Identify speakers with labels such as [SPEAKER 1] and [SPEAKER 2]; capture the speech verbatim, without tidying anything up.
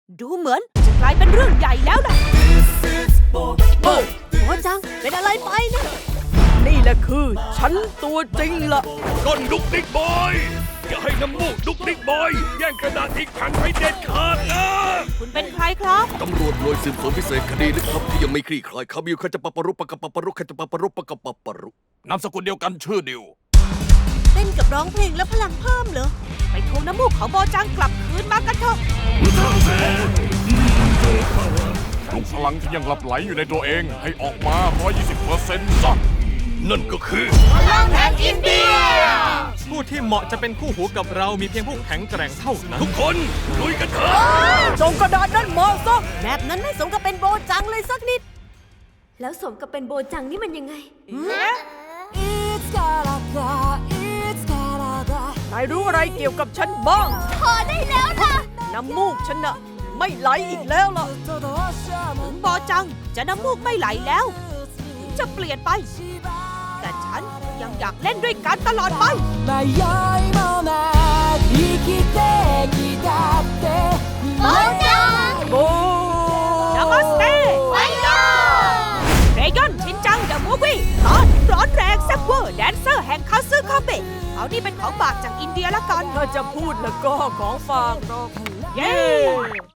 [SPEAKER 1] ดูเหมือนจะกลายเป็นเรื่องใหญ่แล้วนะโบจังเป็นอะไรไปนะนี่แหละคือฉันตัวจริงละ
[SPEAKER 2] ต้นดุกดิกบอยอย่าให้น้ำมูกดุกดิกบอยแย่งกระดาษอีกแผ่นไปเด็ดขาดนะ
[SPEAKER 1] คุณเป็นใครครับ
[SPEAKER 2] ตำรวจหน่วยสืบสวนพิเศษคดีลึกลับที่ยังไม่คลี่คลายคำอยู่ขจปปรุปปกปปรุขจปปรุปปกปปรุนามสกุลเดียวกันชื่อเดียว
[SPEAKER 1] เต้นกับร้องเพลงแล้วพลังเพิ่มเหรอไปทวงน้ำมูกของโบจังกลับคืนมากันเถอะ
[SPEAKER 3] ปลุกพลังที่ยังหลับไหลอยู่ในตัวเองให้ออกมา หนึ่งร้อยยี่สิบเปอร์เซ็นต์ ซะ
[SPEAKER 2] นั่นก็คือ
[SPEAKER 1] พลังแห่งอินเดีย
[SPEAKER 4] ผู้ที่เหมาะจะเป็นคู่หูกับเรามีเพียงผู้แข็งแกร่งเท่านั้น
[SPEAKER 2] ทุกคนลุยกันเถอะ
[SPEAKER 1] ส่งกระดาษนั่นมาซะแบบนั้นไม่สมกับเป็นโบจังเลยสักนิด
[SPEAKER 5] แล้วสมกับเป็นโบจังนี่มันยังไง
[SPEAKER 1] นายรู้อะไรเกี่ยวกับฉันบ้าง
[SPEAKER 5] พอได้แล้วนะ
[SPEAKER 1] น้ำมูกฉันน่ะไม่ไหลอีกแล้วล่ะถึงโบจังจะน้ำมูกไม่ไหลแล้วถึงจะเปลี่ยนไป แต่ฉันยังอยากเล่นด้วยกันตลอดไปโบจังโบนามัสเต้ไวโยเรยอนชินจังเดอะมูฟวี่ตอนร้อนแรงแซ่บเวอร์แดนเซอร์แห่งคาซึคาเบะเอานี่เป็นของฝากจากอินเดียละกันถ้าจะพูดแล้วก็ของฝากหรอกเย้